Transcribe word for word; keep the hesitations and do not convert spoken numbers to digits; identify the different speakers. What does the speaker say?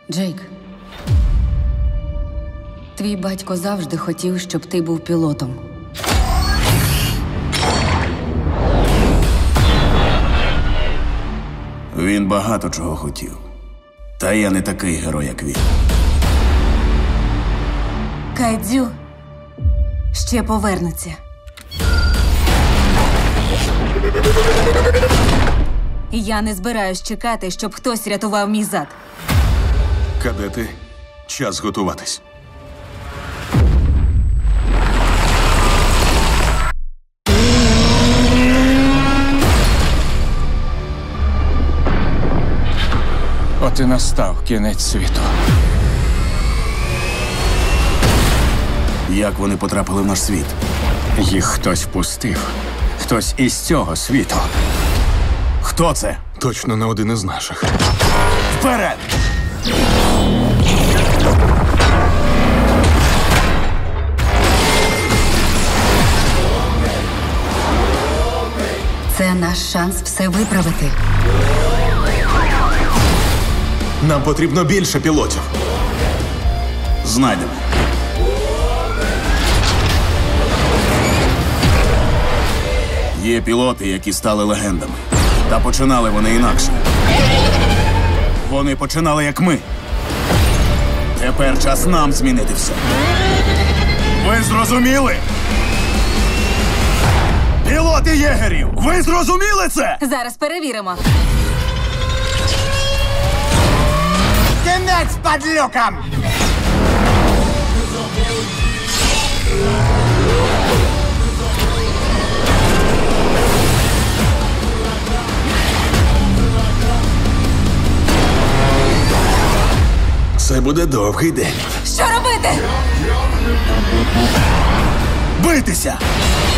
Speaker 1: Джейк, твій батько завжди хотів, щоб ти був пілотом.
Speaker 2: Він багато чого хотів. Та я не такий герой, як він.
Speaker 3: Кайдзю ще повернуться. Я не збираюсь чекати, щоб хтось рятував мій зад.
Speaker 4: Кадети, час готуватись.
Speaker 5: От і настав кінець світу.
Speaker 2: Як вони потрапили в наш світ?
Speaker 5: Їх хтось впустив. Хтось із цього світу.
Speaker 2: Хто це?
Speaker 4: Точно не один із наших.
Speaker 2: Вперед!
Speaker 1: Це наш шанс все виправити.
Speaker 4: Нам потрібно більше пілотів.
Speaker 2: Знайдемо. Є пілоти, які стали легендами. Та починали вони інакше. Вони починали як ми. Тепер час нам змінити все. Ви зрозуміли? Пілоти єгерів! Ви зрозуміли це?
Speaker 3: Зараз перевіримо.
Speaker 2: Кінець падлюкам!
Speaker 4: Це буде довгий день.
Speaker 3: Що робити?
Speaker 2: Битися!